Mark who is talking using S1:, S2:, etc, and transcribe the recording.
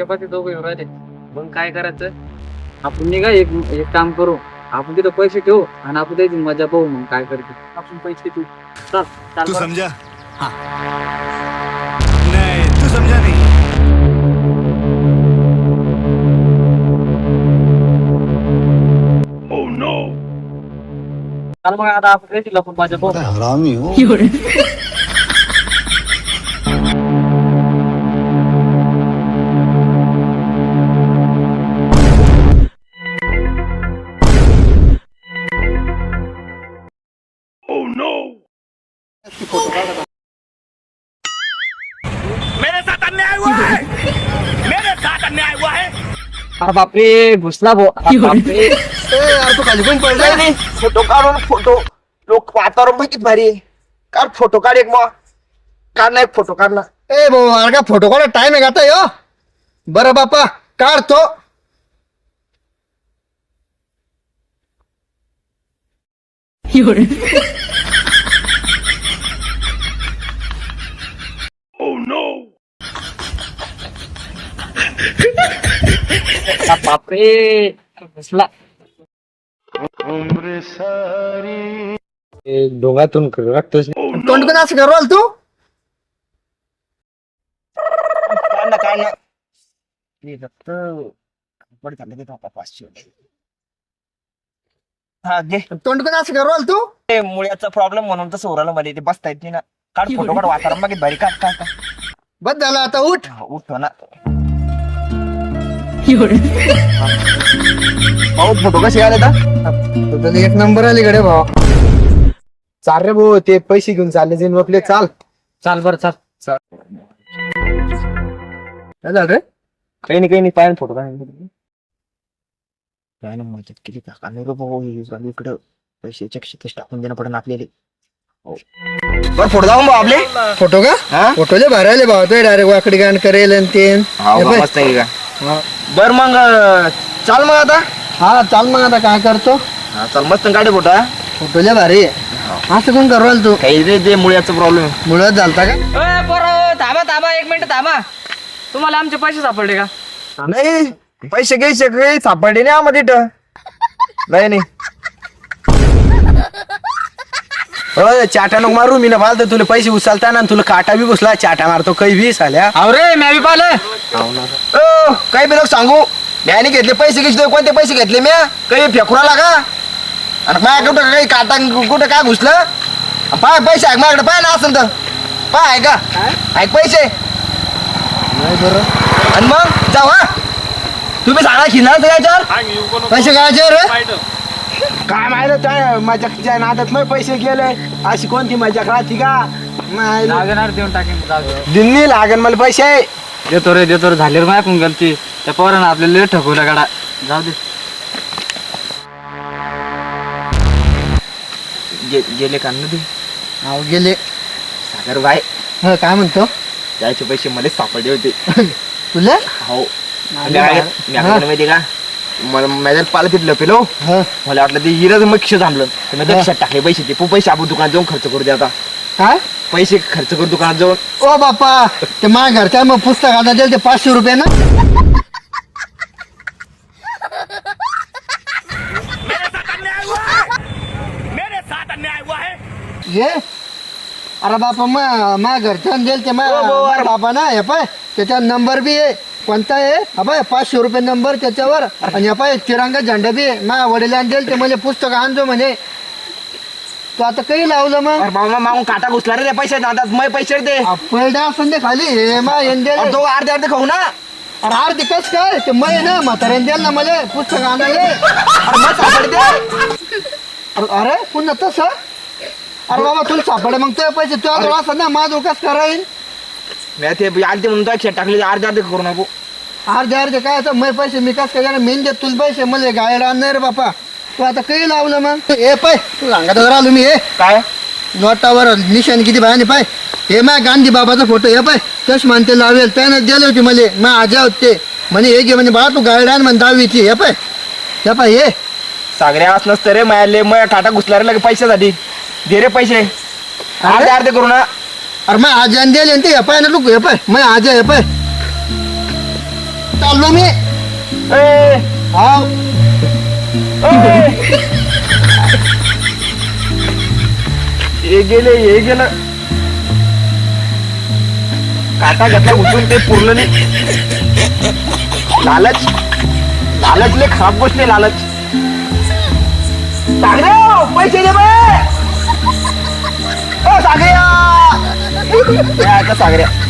S1: माझ्या पाठी दोघं राहिले. मग काय करायचं, आपण निघा एक काम करू, आपण तिथं पैसे ठेवू आणि आपण त्याची मजा पाहू. मग काय करते आपण पैसे ठेवू. चल चाल
S2: तू
S1: बरं.
S2: समझा? हाँ. नहीं, तू समझा नहीं. Oh no.
S1: चाल मग आता आपण रेटीला पण मजा पाहू.
S2: हरामी हो. Oh no. मेरे साथ अन्याय हुआ है. मेरे साथ अन्याय हुआ है.
S1: अरे बापरे घुसला भो. बापरे
S3: यार तू खाली पण पडलाय नाही. फोटो काढून फोटो लोक वातावरण बघित भारी आहे. काढ फोटो काढ एक मग काढ ना एक फोटो काढ ना. ए भाऊ अरे का फोटो काढा टाइम आहे का आता यो. बरं बापा काढतो.
S2: Oh no.
S1: बापरे घुसला.
S3: डोंगातून रक्तच
S2: Oh no.
S3: तोंड पण असं करू तू. काढ ना काढ ना. ते रक्त पड झालं ते आता 500. हा घे. तोंड पण असं करू तू. ते मुळ्याचा प्रॉब्लेम म्हणून तसं ओराला मध्ये ते बसता येत नाही ना. काढ फोटो काढ वातावरण बघित भारी काढ काढ काढ. बस झालं आता उठ. उठतो ना. भाऊ फोटो कसे आले तर एक नंबर आली कडे भाऊ. चाल रे भाऊ ते पैसे घेऊन चालले जाईन आपले. चाल
S1: चाल बरं चाल.
S3: काय झालं रे. काही नाही पाहिजे फोटो काय ना मजा केली का भाऊ. इकडं पैशाच्या क्षितच टाकून देणं पडेल आपल्याला. बरं फोटो जाऊन भाऊ आपले. फोटो का फोटोले भरायले भाऊ तो डायरेक्ट वाकडी गाण करेल आणि ते मस्त आहे का. बर मग चाल मग आता. हा चाल मग आता काय करतो. चाल मस्त गाडी फोटो. फोटोले भारी असं कोण करू तू. काही रे ते मुळ्याचा प्रॉब्लेम मुळ्यात झालता का.
S1: थांबा 1 मिनिट थांबा. तुम्हाला आमचे पैसे सापडले का.
S3: नाही पैसे घ्यायचे काही सापडले नाही आम्हाला तिथं. नाही हो चाटा नको मारू. मी ना पालतो तुला पैसे उचलता ना तुला काटा बी घुसला. चाटा मारतो काही बी साल्या.
S1: अरे मी बी पाहिलं.
S3: काही बी लोक सांगू म्याने घेतले पैसे घेतले. कोणते पैसे घेतले म्या काही फेकुराला का. आणि माझ्या कुठं काही काटा कुठं काय घुसलं. पाय पैसे आहे माझ्याकडे पाय ना असं तर पाय आहे का. आहे पैसे आणि मग जाऊ. हा तुम्ही सांगा खिणार याच्यावर पैसे काय रे. काय माहिती माझ्या नादात मग पैसे गेले. अशी कोणती मजा राहती का.
S1: लागणार देऊन टाकेन.
S3: दिल्ली लागेल मला पैसे.
S1: देतो रे झाले रे माझ्या गलती. त्या पोरानं आपल्याला लेट ठकवला गाडा. जाऊ दे.
S3: गेले का ना ते गेले. सागर बाय काय म्हणतो. त्याचे पैसे मला सापडले होते. तुला हो माहिती का. मला माझ्या पाला तिथलं पेलो. मला वाटलं ते हिराच मग खिश थांबलं. मी लक्षात टाकले पैसे. ते पैसे आपण दुकानात जाऊन खर्च करू दे. आता काय पैसे खर्च करू दुकानात जाऊन. ओ बापा ते माझ्या घरच्या मग पुस्तक आता दिलं ते 500 रुपये ना.
S2: मेरे साथ अन्याय हुआ है.
S3: ये अरे बापा मग माझ्या घरच्या दिल ते माझ्या बाबा ना. हे पाय त्याचा नंबर बी आहे. कोणता आहे हा पाय 500 रुपये नंबर त्याच्यावर. आणि हा पाय तिरंगा झेंडा बी आहे. माझ्या वडिलांनी दिल ते मला पुस्तक आणजो म्हणे. तू आता काही लावलं मग बाबा मागून काटा घुसला रे. पैसे आता मग पैसे दे पहिले असं दे खाली. हे मा तो अर्धे खाऊ ना. अरे अर्धे कस काय ते मै ना म्हाताऱ्याने द्याल ना मला पुस्तक आणायला. अरे पुन्हा तसं. अरे बाबा तुला सापडे मग तुझे पैसे तुझ्या जवळ असतात ना. माझं कस करायला. ते अर्धे म्हणून तो टाकले. अर्धे करू नको. अर्धे काय आता मै पैसे मी कस काय मेन देत तुला पैसे मला गायला आणणार रे बापा. तू आता काही लावलं मग हे पाय तू सांगत आलो मी. हे काय नोटावर निशाण किती बायाने पाय. Hey my Gandhi बाबाचा photo. हे पाय चष्मा ते लावेल त्यानं दिले होते मला. मग आजा होते म्हणे हे घे म्हणे बाळा तू गायडान म्हणे 10वीची. हे पाय हे सागऱ्या असं नसतं रे. माझ्या मग काटा घुसला रे लगे पैशासाठी. दे रे पैसे अर्धे करू ना. अरे मग आजाने दिले ते हे पाय ना तू. हे पाय मग आजा हे पाय चाललो मी
S4: ए,
S3: हाव
S4: ए. हे गेलं काटा घेतला उचलून ते पुरलं नाही. लालच लय खराब गोष्ट आहे लालच. सागऱ्या पैसे दे बे. ओ सागऱ्या. सागऱ्या